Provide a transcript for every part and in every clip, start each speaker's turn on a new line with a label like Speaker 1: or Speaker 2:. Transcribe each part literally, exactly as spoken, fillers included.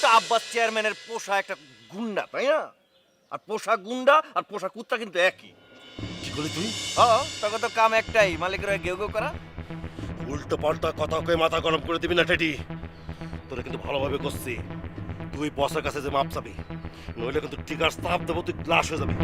Speaker 1: আব্বাস চেয়ারম্যানের পোষা একটা গুন্ডা, তাই না? আর পোষা গুন্ডা আর পোষা কুত্তা কিন্তু একই।
Speaker 2: কি করলি তুই?
Speaker 1: হ্যাঁ, তোকে তো কাম একটাই, মালিকের হয়ে গেউ গেউ করা।
Speaker 2: উল্টো পাল্টা কথা কয়ে মাথা গরম করে দিবি না টেডি। তোরা কিন্তু ভালোভাবে করছি। তুই বসের কাছে যে মাপ চাবি, নইলে কিন্তু টিকার চাপ দেবো, তুই গ্লাস হয়ে যাবি।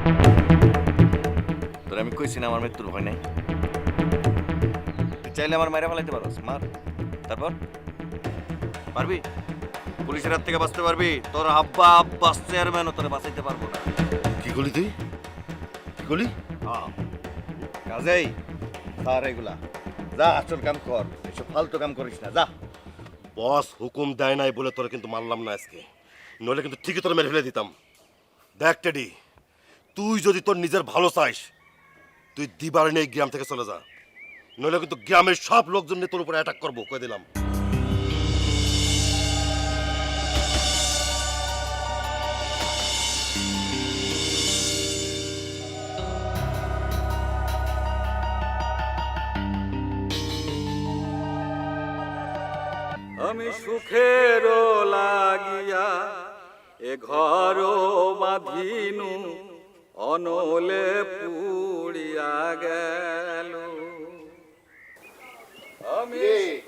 Speaker 1: তোর আমি কইছি না আমার মৃত্যুর ভয় নাই। তুই চাইলে আমার মাইরা ফেলাইতে পারোস, মার। তারপর পারবি? পুলিশের হাত থেকে বাঁচতে পারবি? তোর আব্বা আব্বাস চেয়ারম্যানও তোরে বাঁচাইতে পারবো না।
Speaker 2: কি করলি তুই? কি করলি?
Speaker 1: হ্যাঁ, কাজেই স্যার এগুলা যা, আসল কাম কর, এসব ফালতু কাম করিস না, যা।
Speaker 2: বস হুকুম দেয় নাই বলে তোরা কিন্তু মারলাম না আজকে, নইলে কিন্তু ঠিকই তোরা মেরে ফেলে দিতাম। দেখ টেডি, তুই যদি তোর নিজের ভালো চাইস, তুই দিবার নেই গ্রাম থেকে চলে যা, নইলে কিন্তু গ্রামের সব লোকজন নিয়ে তোর উপরে অ্যাটাক করবো, কয়ে দিলাম।
Speaker 3: আমি সুখের লাগিয়া এ ঘর বাঁধিনু, অনলে পুড়িয়া গেল। আমি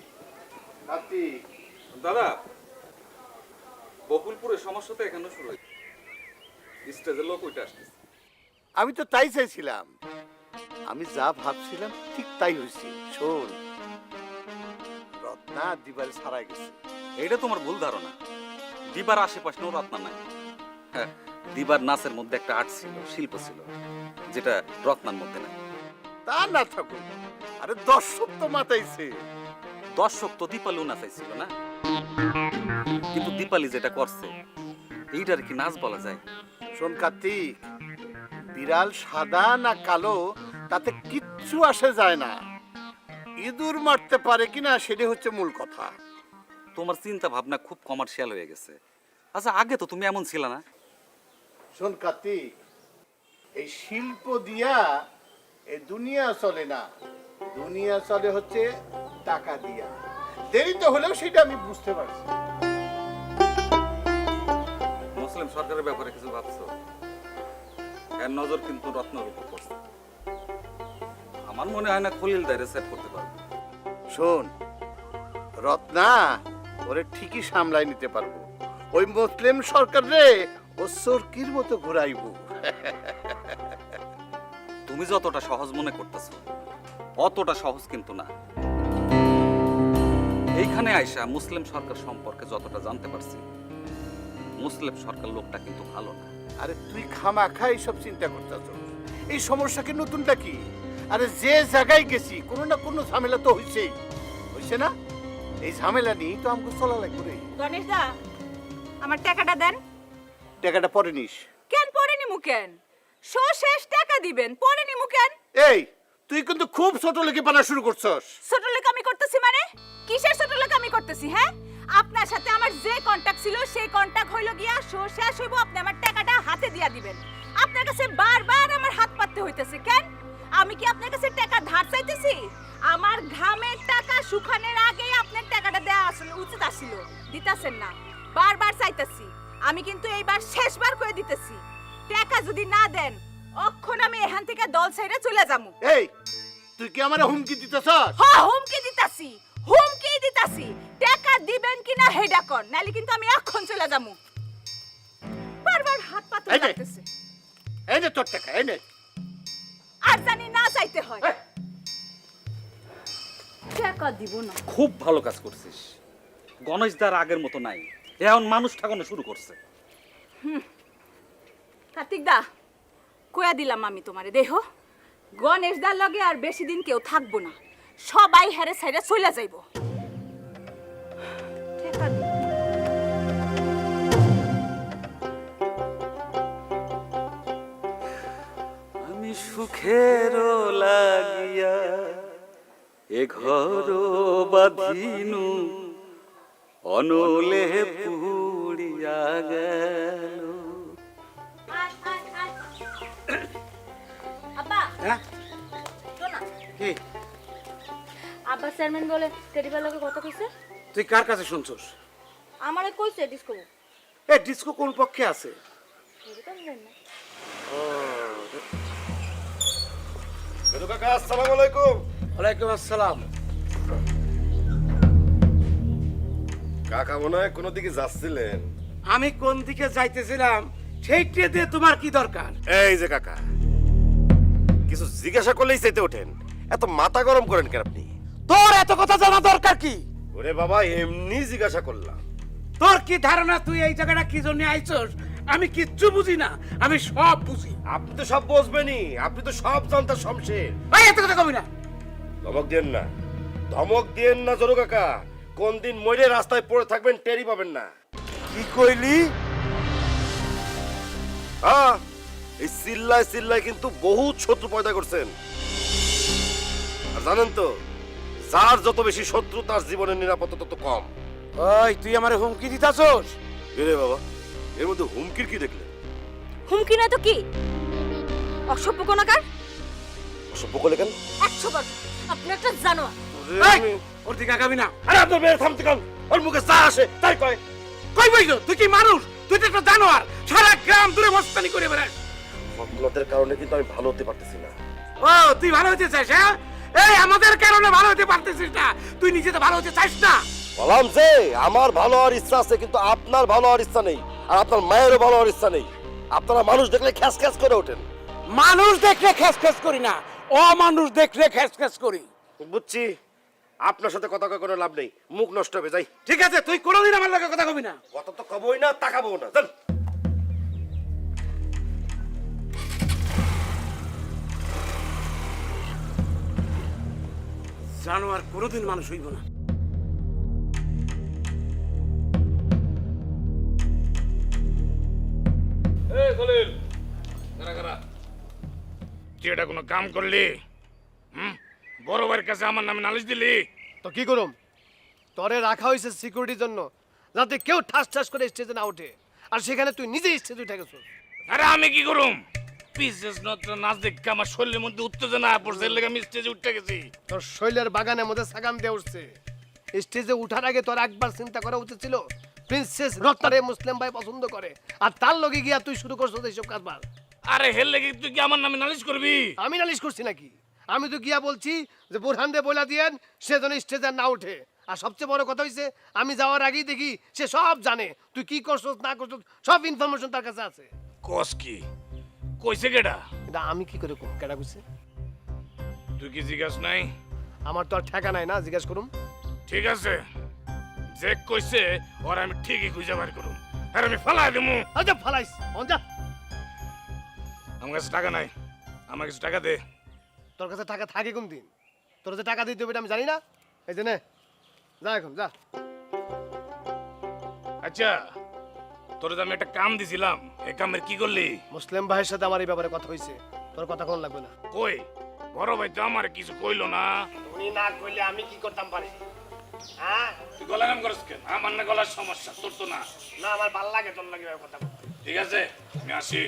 Speaker 3: দাদা, বকুলপুরের সমস্যা তো এখানে শুরু হয়েছে, স্টেজের লোক ওইটা আসতেছে।
Speaker 4: আমি তো তাই চাইছিলাম, আমি যা ভাবছিলাম ঠিক তাই হয়েছে। শোন, রত্না দিবারে ছাড়াই গেছে।
Speaker 3: এইটা তোমার ভুল ধারণা। দিবার আশেপাশে ও রত্না নাই। হ্যাঁ, দিবার নাচের মধ্যে একটা আর্ট ছিল, শিল্প ছিল, যেটা রত্নার মধ্যে নাই।
Speaker 4: তা না থাকুক, আরে দর্শক তো মাতাইছে।
Speaker 3: দর্শক তো দীপালিও নাচাইছিল না, কিন্তু দীপালি যেটা করছে এইটার কি নাচ বলা যায়?
Speaker 4: শোন কার্তিক, বিড়াল সাদা না কালো তাতে কিচ্ছু আসে যায় না, ইঁদুর মারতে পারে কিনা সেটা হচ্ছে মূল কথা।
Speaker 3: তোমার চিন্তা ভাবনা খুব কমার্শিয়াল হয়ে গেছে। আচ্ছা, আগে তো তুমি এমন ছিল না।
Speaker 4: শোন কার্তিক, এই শিল্প দিয়া এই দুনিয়া চলে না, দুনিয়া চলে হচ্ছে টাকা দিয়া। দেরি তো হলেও সেটা আমি বুঝতে পারছি।
Speaker 3: মুসলিম সরকারের ব্যাপারে কিছু ভাবছো? এর নজর কিন্তু রত্নের উপর পড়ছে। আমার মনে হয় না খলিল দাইরে সেট করতে পারবে।
Speaker 4: শোন, রত্না ওরে ঠিকই সামলাই নিতে পারবো। ওই মুসলিম সরকার রে ও সরকির মতো ঘুরাইব।
Speaker 3: তুমি যতটা সহজ মনে করতেছো অতটা সহজ কিন্তু না। এইখানে আইসা মুসলিম সরকার সম্পর্কে যতটা জানতে পারছি, মুসলিম সরকার লোকটা কিন্তু ভালো না।
Speaker 4: আরে তুই খামাখা এইসব চিন্তা করতেছ, এই সমস্যা কি নতুনটা কি? আরে যে জায়গায় গেছি কোনো না কোনো ঝামেলা তো হইছেই, হইছে না? এই ঝামেলা নিয়ে তো আমাকে চলা লাগবে রে।
Speaker 5: গণেশ দা, আমার টাকাটা দেন।
Speaker 4: টাকাটা পরে নিস।
Speaker 5: কেন পরে নিমু কেন? শো শেষ টাকা দিবেন, পরে নিমু কেন?
Speaker 4: এই তুই কিন্তু খুব ছোট লেগে বানা শুরু করছস।
Speaker 5: ছোট লোক আমি করতেছি মানে? কিসের ছোট লোক আমি করতেছি? হ্যাঁ, আপনার সাথে আমার যে কন্টাক্ট ছিল সেই কন্টাক্ট হইল গিয়া শো শেষ হইব, আপনি আমার টাকাটা হাতে দিয়া দিবেন। আপনার কাছে বারবার আমার হাত পাততে হইতেছে কেন? আমি কি আপনার কাছে টাকা ধার চাইতেছি? আমার ঘামের টাকা শুকানোর আগেই আপনার টাকাটা দেয়া আসলে উচিত আসিল, দিতাছেন না, বারবার চাইতেছি। আমি কিন্তু এইবার শেষবার করে দিতেছি, টাকা যদি না দেন অক্ষণ আমি এখান থেকে দল ছাইরা চলে যামু।
Speaker 4: এই তুই কি আমারে হুমকি দিতেছস?
Speaker 5: হ্যাঁ, হুমকি দিতাছি, হুমকি দিতাছি। টাকা দিবেন কিনা হেডা কর, নালে কিন্তু আমি এখন চলে যামু। বারবার হাত পাতে
Speaker 4: এই নে।
Speaker 5: লাগতেছে।
Speaker 4: এই নে তোর টাকা, এই নে।
Speaker 5: আর জানি না চাইতে হয়, টাকা দিব না।
Speaker 3: খুব ভালো কাজ করছিস। গণেশ দার আগের মতো নাই, এখন মানুষ ঠাকানো শুরু করছে।
Speaker 5: কার্তিক দা, কয়া দিলাম আমি তোমারে, দেহ গণেশ দার লগে আর বেশি দিন কেউ থাকবো না, সবাই হেরে সাইরে চলে যাইব। টাকা দিব।
Speaker 3: আমি সুখের লাগিয়া এ ঘর বাঁধিনু, অনলে পুড়িয়া গেল।
Speaker 5: আব্বা,
Speaker 4: হ্যাঁ
Speaker 5: শোনা,
Speaker 4: কি?
Speaker 5: আব্বা চেয়ারম্যান বলে টেরিবার লগে কথা কইছে।
Speaker 4: তুই কার কাছে শুনছস?
Speaker 6: আমারে কইছে ডিস্কো
Speaker 4: এ ডিস্কো কোন পক্ষে আছে?
Speaker 6: এটা আমি জানি না।
Speaker 2: বেদু কাকা আসসালামু আলাইকুম।
Speaker 4: ওয়ালাইকুম আসসালাম।
Speaker 2: কাকা মনে হয় কোনো দিকে যাচ্ছিলেন।
Speaker 7: আমি কোন দিকে যাইতেছিলাম সেইটা দিয়ে তোমার কি দরকার?
Speaker 2: এই যে কাকা, কিছু জিজ্ঞাসা করলেই চাইতে ওঠেন, এত মাথা গরম করেন কেন আপনি?
Speaker 7: তোর এত কথা জানা দরকার কি?
Speaker 2: ওরে বাবা, এমনি জিজ্ঞাসা করলাম।
Speaker 7: তোর কি ধারণা তুই এই জায়গাটা কি জন্য আইছস? আমি কিচ্ছু বুঝি না, আমি সব বুঝি।
Speaker 2: আপনি তো সব বুঝবেনই, আপনি তো সব জানতার শমশের।
Speaker 7: এই এত কথা কবি না।
Speaker 2: ধমক দিয়েন না, ধমক দিয়েন না জরু কাকা। কোন দিন মরে রাস্তায় পড়ে থাকবেন টেরই পাবেন না।
Speaker 7: কি কইলি?
Speaker 2: হ্যাঁ, এই চিল্লায় চিল্লায় কিন্তু বহুত শত্রু পয়দা করছেন। আর জানেন তো, যার যত বেশি শত্রু তার জীবনের নিরাপত্তা তত কম।
Speaker 7: ওই তুই আমারে হুমকি দিতাছস?
Speaker 2: এরে বাবা, এর মধ্যে হুমকির কি দেখলে?
Speaker 5: হুমকি না তো কি? অসভ্য কোনাকার,
Speaker 2: অসভ্য করলে কেন?
Speaker 5: একশো বার আপনি একটা জানোয়ার।
Speaker 7: এই, ওর দিকে আগাবি না।
Speaker 2: আরে আপনার মেয়ে থামতে কান, ওর মুখে যা আসে তাই কয়।
Speaker 7: কই বইছো? তুই কি মানুষ? তুই তো একটা জানোয়ার, সারা গ্রাম দূরে মস্তানি করে বেড়াস।
Speaker 2: আপনাদের কারণে কিন্তু আমি ভালো হতে পারতেছি না।
Speaker 7: ও তুই ভালো হতে চাস? হ্যাঁ, এই আমাদের কারণে ভালো হতে পারতেছিস না, তুই নিজে তো ভালো হতে চাস না।
Speaker 2: বললাম যে আমার ভালো হওয়ার ইচ্ছা আছে, কিন্তু আপনার ভালো হওয়ার ইচ্ছা নেই, আর আপনার মায়েরও ভালো হওয়ার ইচ্ছা নেই। আপনারা মানুষ দেখলে খ্যাস খ্যাস করে ওঠেন।
Speaker 7: মানুষ দেখলে খ্যাস খ্যাস করি না, অমানুষ দেখলে খ্যাস খ্যাস করি।
Speaker 2: বুঝছি, আপনার সাথে কথা কয়ে কোনো লাভ নেই, মুখ নষ্ট হবে। যাই।
Speaker 7: ঠিক আছে, তুই কোনোদিন আমার লগে কথা কবি না।
Speaker 2: কথা তো কবই না, তাকাবো না। চল।
Speaker 7: জানোয়ার কোনোদিন মানুষ হইব না।
Speaker 8: তুই এটা কোনো কাম করলি? হুম, বড় ভাইয়ের কাছে আমার নামে নালিশ দিলি?
Speaker 9: তো কি করুম, তরে রাখা হয়েছে সিকিউরিটির জন্য, যাতে কেউ ঠাস ঠাস করে স্টেজে না ওঠে। আর সেখানে তুই নিজে স্টেজে উঠে গেছিস।
Speaker 8: আরে আমি কি করুম? পিসেস নত্র নাচ দেখে আমার শরীরের মধ্যে উত্তেজনা পড়ছে, এর লেগে আমি স্টেজে উঠে গেছি।
Speaker 9: তোর শৈলের বাগানের মধ্যে সাগাম দিয়ে উঠছে। স্টেজে উঠার আগে তোর একবার চিন্তা করা উচিত ছিল প্রিন্সেস রত্নারে মুসলিম ভাই পছন্দ করে, আর তার লগে গিয়া তুই শুরু করছিস এইসব কাজবার।
Speaker 8: আরে হের লেগে তুই কি আমার নামে নালিশ করবি?
Speaker 9: আমি নালিশ করছি নাকি? আমি তো গিয়া বলছি যে বোরহান দে বলে দিয়েন সে যেন স্টেজে না ওঠে। আর সবচেয়ে বড় কথা হইছে, আমি যাওয়ার আগেই দেখি সে সব জানে, তুই কি করছস না করছস সব ইনফরমেশন তার কাছে আছে।
Speaker 8: কস কি? কইছে কেডা?
Speaker 9: এটা আমি কি করে কম কেডা কইছে?
Speaker 8: তুই কি জিজ্ঞাস নাই?
Speaker 9: আমার তো আর ঠেকা নাই না জিজ্ঞেস করুম।
Speaker 8: ঠিক আছে, যে কইছে ওর আমি ঠিকই খুঁজে বার করুম, আর আমি ফালাই দেবো।
Speaker 9: আচ্ছা ফালাইস অন যা।
Speaker 8: আমার কাছে টাকা নাই, আমার কাছে টাকা দে।
Speaker 9: তোর কাছে টাকা থাকে কোন দিন? তোর যে টাকা দিতে হবে এটা আমি জানি না। এই যে নে, যা এখন যা।
Speaker 8: আচ্ছা, তোর যে আমি একটা কাম দিছিলাম, এই কামের কি করলি?
Speaker 9: মুসলিম ভাইয়ের সাথে আমার এই ব্যাপারে কথা হয়েছে, তোর কথা কোন লাগবে না।
Speaker 8: কই বড় ভাই তো আমার কিছু কইলো না।
Speaker 9: উনি না কইলে আমি কি করতাম পারি? হ্যাঁ,
Speaker 8: তুই গলা নাম করিস কেন? আমার না গলার সমস্যা, তোর তো না।
Speaker 9: না আমার ভাল লাগে তোর লাগে এভাবে কথা বলতে।
Speaker 8: ঠিক আছে, আমি আসি।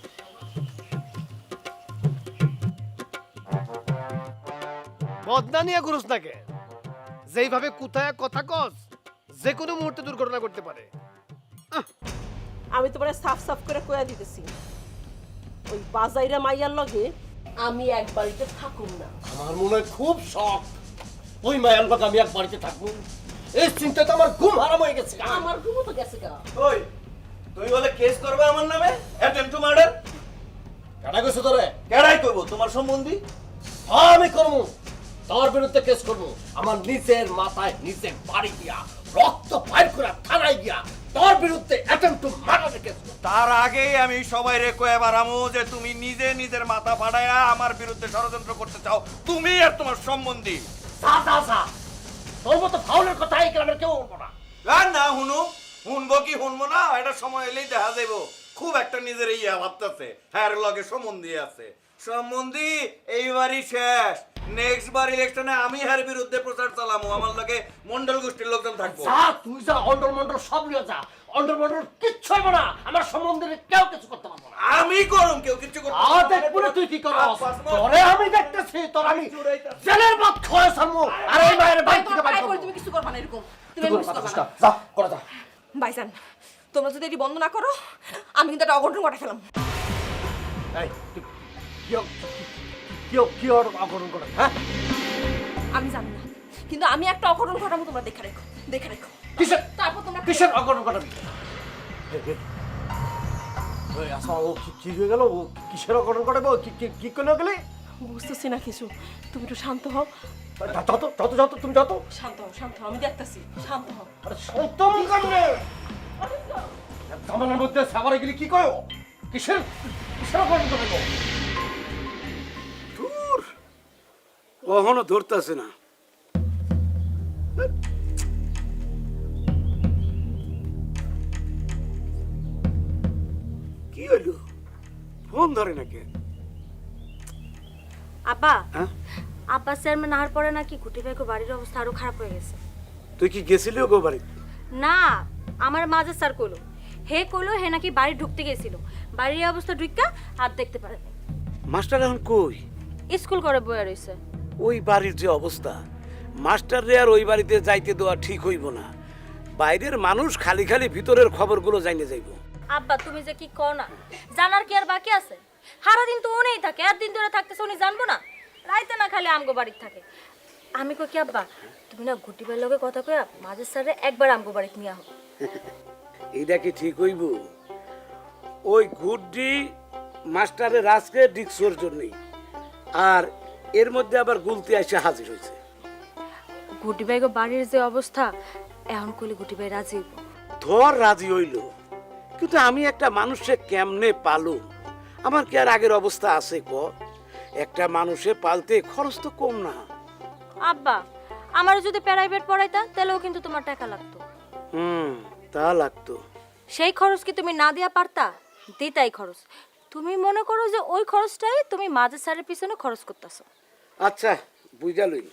Speaker 9: বদনা নিয়ে করুস না কে? যেইভাবে কোথায় কথা কস, যে কোনো মুহূর্তে দুর্ঘটনা করতে পারে।
Speaker 10: আমি তোমার সাফ সাফ করে কয়া দিতেছি, ওই বাজাইরা মাইয়ার লগে আমি এক বাড়িতে থাকুম না।
Speaker 9: আমার মনে হয় খুব শখ ওই মায়াল বাগ আমি এক বাড়িতে থাকবো। এই চিন্তা তো আমার ঘুম হারাম হয়ে গেছে।
Speaker 10: আমার ঘুমো তো গেছে গা।
Speaker 1: ওই তুই বলে কেস করবে আমার নামে, অ্যাটেম্প টু মার্ডার?
Speaker 9: কেডা কইছে তোরে?
Speaker 1: কেডাই করব? তোমার সম্বন্ধী?
Speaker 9: হ্যাঁ আমি করবো, তোর বিরুদ্ধে কেস করবো। আমার নিজের মাথায় নিজে বাড়ি গিয়া রক্ত বাইর করে থানায় গিয়া তোর বিরুদ্ধে অ্যাটেম্প টু মার্ডার কেস করব।
Speaker 1: তার আগেই আমি সবাই রে কয়ে বারামু যে তুমি নিজে নিজের মাথা ফাটায়া আমার বিরুদ্ধে ষড়যন্ত্র করতে চাও, তুমি আর তোমার সম্বন্ধী।
Speaker 9: যা যা যা, তোর মতো ফাউলের কথা এই গ্রামের কেউ বলবো না।
Speaker 1: আর না হুনু, শুনবো কি শুনবো না, এটা সময় এলেই দেখা যাইব। খুব একটা নিজের ইয়া ভাবতেছে, হ্যাঁ লগে সম্বন্ধী আছে। সম্বন্ধী এইবারই শেষ, নেক্সট বার ইলেকশনে আমি হার বিরুদ্ধে প্রচার চালামু, আমার লগে মন্ডল গোষ্ঠীর লোকজন থাকবো।
Speaker 9: যা তুই যা, অন্ডল মন্ডল সব নিয়ে যা। অন্ডল মন্ডল কিচ্ছু হইব না, আমার সম্বন্ধে কেউ কিছু করতে পারবো না।
Speaker 1: আমি করুম, কেউ কিছু করতে
Speaker 9: আ দেখবো না তুই কি করস। তোরে আমি দেখতেছি, তোর আমি জেলের ভাত খাওয়া সামু। আর এই মায়ের বাইক থেকে বাইক
Speaker 10: তুমি কিছু করবা না এরকম, তুমি এরকম কিছু করবা না।
Speaker 9: যা করে যা।
Speaker 10: ভাইজান তোমরা যদি এটি বন্ধ না করো আমি কিন্তু একটা অঘটন ঘটা ফেলাম।
Speaker 9: এই তুই কি কি কি অঘটন করে হ্যাঁ?
Speaker 10: আমি জানি না কিন্তু আমি একটা অঘটন ঘটাবো, তোমরা দেখে রেখো দেখে রেখো।
Speaker 9: কিসের
Speaker 10: তারপর তোমরা
Speaker 9: কিসের অঘটন ঘটাবি? ওই আচ্ছা ও কি কি হয়ে গেল? ও কিসের অঘটন ঘটাবে? ও কি কি কি করে গেলে?
Speaker 10: বুঝতেছি না কিছু, তুমি একটু শান্ত হও।
Speaker 9: যত যত যত তুমি যত
Speaker 10: শান্ত হও শান্ত হও, আমি দেখতেছি, শান্ত হও।
Speaker 9: আরে সন্তম কান্নে জামানের মধ্যে সাবারে গেলে কি কয়? কিসের কিসের অঘটন ঘটাবে?
Speaker 7: দূর কখনো ধরতেছে না। কি হইলো? ফোন ধরে নাকি?
Speaker 6: আব্বা
Speaker 7: হ্যাঁ?
Speaker 6: আব্বা চেয়ারম্যান আহার পরে নাকি গুটি ভাইকে বাড়ির অবস্থা আরো খারাপ হয়ে গেছে।
Speaker 7: তুই কি গেছিলি গো বাড়ি?
Speaker 6: না আমার মাঝে স্যার কইলো, হে কইলো হে নাকি বাড়ি ঢুকতে গেছিল, বাড়ির অবস্থা ঢুকা আর দেখতে পারে নাই।
Speaker 7: মাস্টার এখন কই?
Speaker 6: স্কুল করে বইয়া রইছে।
Speaker 7: ওই বাড়ির যে অবস্থা, মাস্টার রে আর ওই বাড়িতে যাইতে দেওয়া ঠিক হইব না। বাইরের মানুষ খালি খালি ভিতরের খবরগুলো জানিয়ে যাইব।
Speaker 6: আব্বা তুমি যে কি কও না, জানার কি আর বাকি আছে? সারা দিন তো উনিই থাকে, আর দিন ধরে থাকতেছে উনি জানবো না? রাইতে না খালি আমগো বাড়িতে থাকে। আমি কই কি আব্বা তুমি না গুটি ভাইয়ের লগে কথা কইয়া মাঝে স্যারে একবার আমগো বাড়িতে নিয়ে আহ।
Speaker 7: এইটা কি ঠিক হইব? ওই গুড্ডি মাস্টারের আজকে ডিক্সোর জন্যই, আর এর মধ্যে আবার গুলতি এসে হাজির হয়েছে।
Speaker 6: গুটি ভাইগো বাড়ির যে অবস্থা, এখন কইলে গুটি ভাই রাজি হইব।
Speaker 7: ধর রাজি হইল, কিন্তু আমি একটা মানুষে কেমনে পালু? আমার কি আর আগের অবস্থা আছে ক? একটা মানুষে পালতে খরচ তো কম না।
Speaker 6: আব্বা আমার যদি প্রাইভেট পড়াইতা তাহলেও কিন্তু তোমার টাকা লাগতো।
Speaker 7: হুম, তা লাগতো।
Speaker 6: সেই খরচ কি তুমি না দিয়া পারতা? দিতাই খরচ। তুমি মনে করো যে ওই খরচটাই তুমি মাঝে স্যারের পিছনে খরচ করতেছো।
Speaker 7: আচ্ছা বুঝা লই।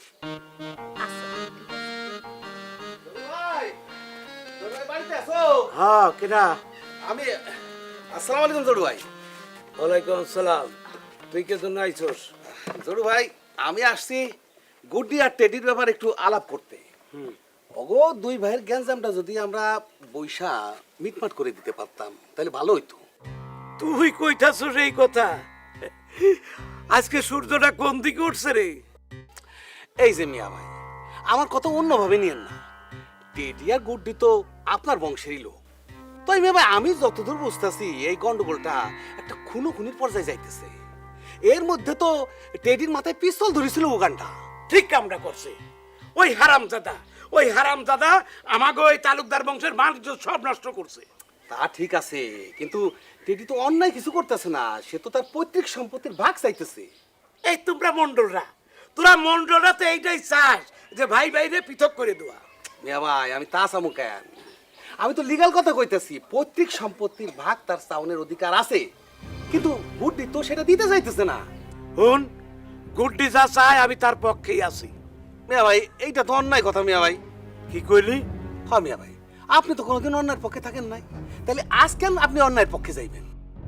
Speaker 7: হ্যাঁ কেনা?
Speaker 9: আমি আসসালামু আলাইকুম জড়ু ভাই।
Speaker 7: ওয়ালাইকুম আসসালাম। তুই কে জন্য আইছস?
Speaker 9: জড়ু ভাই আমি আসছি গুড্ডি আর টেডির ব্যাপারে একটু আলাপ করতে। ওগো দুই ভাইয়ের গ্যাঞ্জামটা যদি আমরা বৈশা মিটমাট করে দিতে পারতাম তাহলে ভালো হইতো।
Speaker 7: তুই কইতাছস এই কথা? আজকে সূর্যটা কোন দিকে উঠছে রে?
Speaker 9: এই যে মিয়া ভাই আমার কথা অন্যভাবে নিয়েন না, টেডি আর গুড্ডি তো আপনার বংশেরই লোক। তাই মিয়া ভাই আমি যতদূর বুঝতেছি এই গন্ডগোলটা একটা খুনো খুনির পর্যায়ে যাইতেছে। এর মধ্যে তো টেডির মাথায় পিস্তল ধরেছিল ওগানটা।
Speaker 7: ঠিক কামটা করছে ওই হারামজাদা। ওই হারামজাদা আমাকে ওই তালুকদার বংশের মানুষ সব নষ্ট করছে।
Speaker 9: তা ঠিক আছে, কিন্তু টেডি তো অন্যায় কিছু করতেছে না, সে তো তার পৈতৃক সম্পত্তির ভাগ চাইতেছে।
Speaker 7: এই তোমরা মন্ডলরা, তোরা মন্ডলরা তো এইটাই চাস যে ভাই ভাইরে পৃথক করে দেওয়া।
Speaker 9: মিয়া ভাই আমি তা চামু কেন? আমি তো লিগাল কথা কইতেছি, পৈতৃক সম্পত্তির ভাগ তার চাউনের অধিকার আছে, কিন্তু গুড্ডি তো সেটা দিতে চাইতেছে না।
Speaker 7: হুন, গুড্ডি যা চায় আমি তার পক্ষেই আছি।
Speaker 9: মিয়া ভাই এইটা তো অন্যায় কথা মিয়া ভাই।
Speaker 7: কি কইলি?
Speaker 9: হ্যাঁ মিয়া ভাই আপনি তো কোনোদিন অন্যায়ের পক্ষে থাকেন নাই, তাহলে আজ কেন আপনি অন্যায়ের পক্ষে যাইবেন?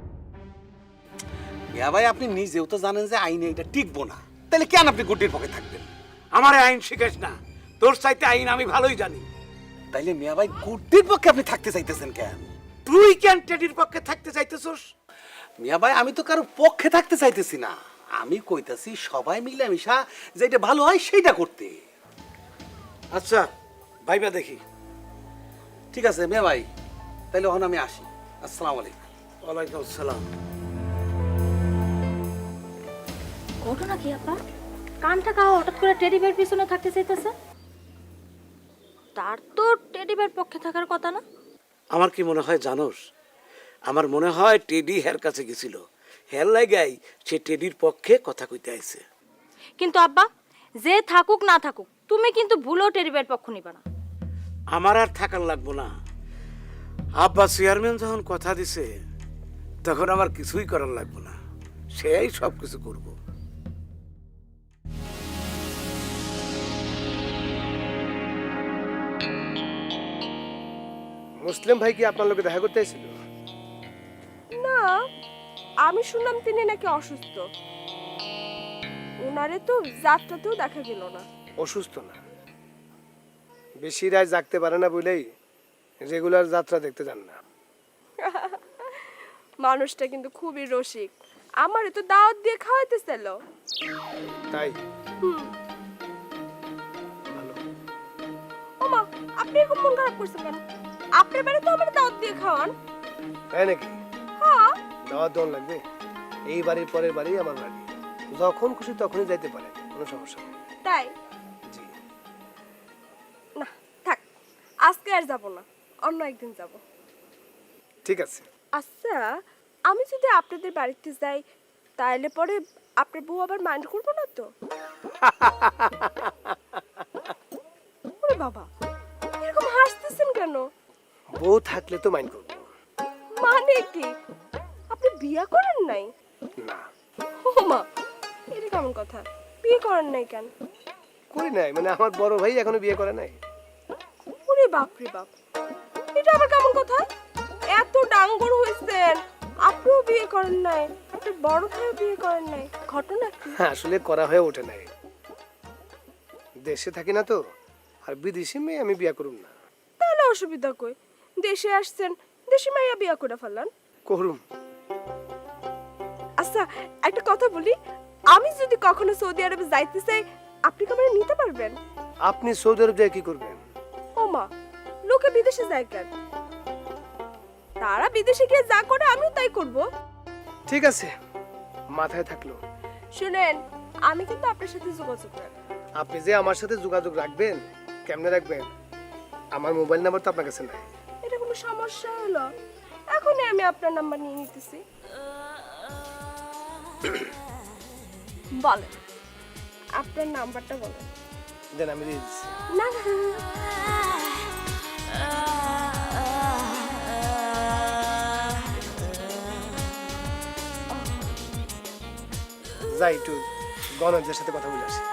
Speaker 9: মিয়া ভাই আপনি নিজেও তো জানেন যে আইনে এটা টিকবো না, তাহলে কেন আপনি গুড্ডির পক্ষে থাকবেন?
Speaker 7: আমারে আইন শিখাস না, তোর চাইতে আইন আমি ভালোই জানি।
Speaker 9: তাইলে মিয়া ভাই গুড্ডির পক্ষে আপনি থাকতে চাইতেছেন কেন?
Speaker 7: তুই কেন টেডির পক্ষে থাকতে চাইতেছস?
Speaker 9: মিয়া ভাই আমি তো কারো পক্ষে থাকতে চাইতেছি না, আমি কইতাছি সবাই মিলেমিশা যেটা ভালো হয় সেইটা করতে।
Speaker 7: আচ্ছা ভাইবা দেখি।
Speaker 9: ঠিক আছে মিয়া ভাই, তাইলে এখন আমি আসি। আসসালামু আলাইকুম।
Speaker 7: ওয়ালাইকুম আসসালাম।
Speaker 6: ঘটনা কি আপা? কানটা কাও হঠাৎ করে টেডি বের পিছনে থাকতে চাইতেছে? তার তো টেডি বের পক্ষে থাকার কথা না।
Speaker 7: আমার কি মনে হয় জানোস? আমার মনে হয় টেডি হের কাছে গেছিল, হের লাগাই সে টেডির পক্ষে কথা কইতে আইছে।
Speaker 6: কিন্তু আব্বা যে থাকুক না থাকুক তুমি কিন্তু ভুলেও টেডি বের পক্ষ নিবা না।
Speaker 7: আমার আর থাকার লাগবো না। আব্বা চেয়ারম্যান যখন কথা দিছে তখন আমার কিছুই করার লাগবো না, সেই সব কিছু করবো।
Speaker 9: মুসলিম ভাই কি আপনার লোকে দেখা করতে এসেছিল?
Speaker 11: না, আমি শুনলাম তিনি নাকি অসুস্থ। ওনারে তো যাত্রাতেও দেখা গেল না।
Speaker 9: অসুস্থ না, বেশি রাত জাগতে পারে না বলেই রেগুলার যাত্রা দেখতে যান না।
Speaker 11: মানুষটা কিন্তু খুবই রসিক, আমারে তো দাওয়াত দিয়ে খাওয়াইতেছিল।
Speaker 9: তাই
Speaker 11: ওমা, আপনি এরকম মন খারাপ করছেন কেন? আপনার বাড়ি তো আমার দাওয়াত দিয়ে খাওয়ান।
Speaker 9: তাই নাকি?
Speaker 11: হ্যাঁ,
Speaker 9: দাওয়াত দেওয়ান লাগবে। এই বাড়ির পরের বাড়ি আমার বাড়ি, যখন খুশি তখনই যাইতে পারে, কোনো সমস্যা নেই।
Speaker 11: তাই
Speaker 9: জি।
Speaker 11: না থাক, আজকে আর যাব না, অন্য একদিন যাব।
Speaker 9: ঠিক আছে।
Speaker 11: আচ্ছা, আমি যদি আপনাদের বাড়িতে যাই তাহলে পরে আপনার বউ আবার মাইন্ড করবো না তো? ওরে বাবা, এরকম হাসতেছেন কেন?
Speaker 9: বউ থাকলে তো মাইন্ড করবো।
Speaker 11: মানে কি, আপনি বিয়ে করেন নাই?
Speaker 9: না,
Speaker 11: ও মা, এটা কেমন কথা? বিয়ে করেন নাই কেন?
Speaker 9: করি নাই মানে আমার বড় ভাই এখনো বিয়ে করে নাই।
Speaker 11: ওরে বাপ রে বাপ, এটা আবার কেমন কথা? এত ডাঙ্গর হয়েছেন, আপনিও বিয়ে করেন নাই, আপনার বড় ভাইও বিয়ে করেন নাই, ঘটনা কি?
Speaker 9: হ্যাঁ, আসলে করা হয়ে ওঠে নাই। দেশে থাকি না তো, আর বিদেশি মেয়ে আমি বিয়ে করুম না।
Speaker 11: তাহলে অসুবিধা কই? দেশে আসছেন, দেশি মাইয়া বিয়ে করে ফেলান।
Speaker 9: করুম।
Speaker 11: আচ্ছা, একটা কথা বলি, আমি যদি কখনো সৌদি আরবে যাইতে চাই, আপনি কি আমাকে নিতে পারবেন?
Speaker 9: আপনি সৌদি আরব যায় কি করবেন?
Speaker 11: ও মা, লোকে বিদেশে যায় কেন? তারা বিদেশে গিয়ে যা করে আমিও তাই করব।
Speaker 9: ঠিক আছে, মাথায় থাকলো।
Speaker 11: শুনেন, আমি কিন্তু আপনার সাথে যোগাযোগ রাখবো।
Speaker 9: আপনি যে আমার সাথে যোগাযোগ রাখবেন, কেমনে রাখবেন? আমার মোবাইল নাম্বার তো আপনার কাছে নাই।
Speaker 11: এটা কোনো সমস্যা হলো? এখনই আমি আপনার নাম্বার নিয়ে নিতেছি। বলেন, আপনার নাম্বারটা বলেন।
Speaker 9: দেন, আমি দিয়ে দিচ্ছি।
Speaker 11: না না,
Speaker 9: যাই একটু গণজের সাথে কথা বলে আসি।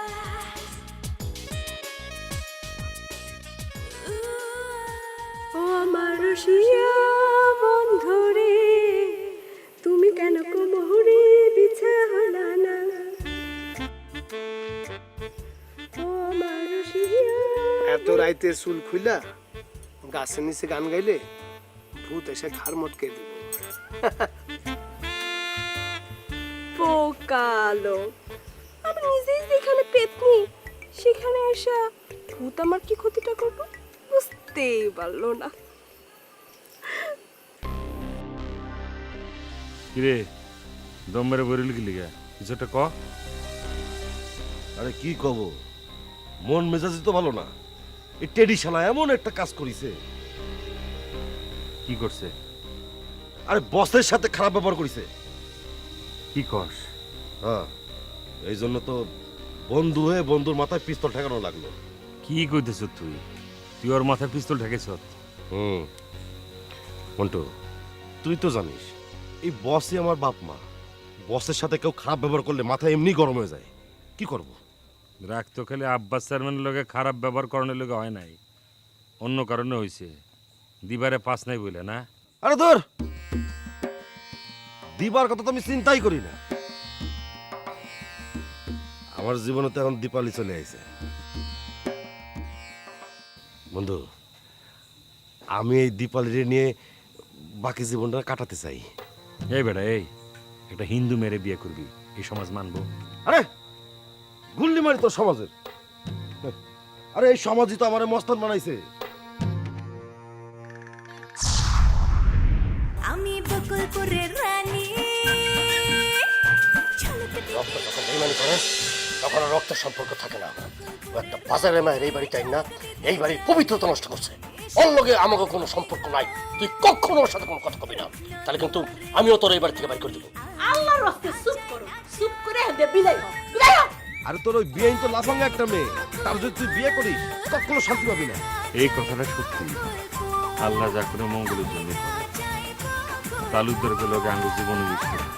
Speaker 11: ও আমার রসিয়া বন্ধুরে, তুমি কেন কোমরে বিছানা না? ও আমার রসিয়া।
Speaker 9: এত রাইতে চুল খুইলা গাছের নিচে গান গাইলে ভূত এসে ঘাড় মটকে দিব।
Speaker 11: পোকালো, আমি নিজেই যেখানে পেতনি সেখানে এসে ভূত আমার কি ক্ষতিটা করবো বুঝতেই পারলো না।
Speaker 8: কিরে দম মেরে বরিল কি লিগা কিছু একটা ক।
Speaker 2: আরে কি কব, মন মেজাজি তো ভালো না। এই টেডি শালা এমন একটা কাজ করিছে।
Speaker 8: কি করছে?
Speaker 2: আরে বসের সাথে খারাপ ব্যবহার করিছে।
Speaker 8: কি কস?
Speaker 2: হ্যাঁ, এই জন্য তো বন্ধু হয়ে বন্ধুর মাথায় পিস্তল ঠেকানো লাগলো।
Speaker 8: কি কইতেছ তুই? তুই ওর মাথায় পিস্তল ঠেকেছ?
Speaker 2: হুম মন্টু, তুই তো জানিস এই বসই আমার বাপ মা। বসের সাথে কেউ খারাপ ব্যবহার করলে মাথা এমনি গরম হয়ে যায়। কি করব?
Speaker 8: রাখ তো, খালি আব্বাস চেয়ারম্যানের লগে খারাপ ব্যবহার করানোর লগে হয় নাই, অন্য কারণে হয়েছে। দিবারে পাস নাই বলে না?
Speaker 2: আরে ধর, দিবার কথা তো আমি চিন্তাই করি না। আমার জীবনে তো এখন দীপালি চলে আইছে। বন্ধু, আমি এই দীপালি নিয়ে বাকি জীবনটা কাটাতে চাই।
Speaker 8: এই বেটা, এই একটা হিন্দু মেরে বিয়ে করবি, এই সমাজ মানবো?
Speaker 2: আরে গুল্লি মারি তোর সমাজের। আরে এই সমাজই তো আমার মস্তান বানাইছে।
Speaker 5: আমি বকুলপুরের রানী।
Speaker 9: রক্ত যখন বেইমানি করে তখন আর রক্তের সম্পর্ক থাকে না। ও একটা বাজারে মায়ের এই বাড়িতে না, এই বাড়ির পবিত্রতা নষ্ট করছে। ওর লগে আমাকে কোনো সম্পর্ক নাই। তুই কখনো ওর সাথে কোনো কথা কবি না, তাহলে কিন্তু আমিও তোর এই বাড়ি থেকে বাড়ি করে দিব।
Speaker 10: আল্লাহর রাস্তায় চুপ করো, চুপ করে হেঁটে বিদায় হও, বিদায় হও।
Speaker 2: আরে তোর ওই বিয়ে তো লাফাঙ্গা একটা মেয়ে, তার যদি তুই বিয়ে করিস কখনো শান্তি পাবি না।
Speaker 8: এই কথাটা সত্যি। আল্লাহ যা করে মঙ্গলের জন্য করে। তালুকদারকে লোক আঙ্গুর জীবনে মিশবে।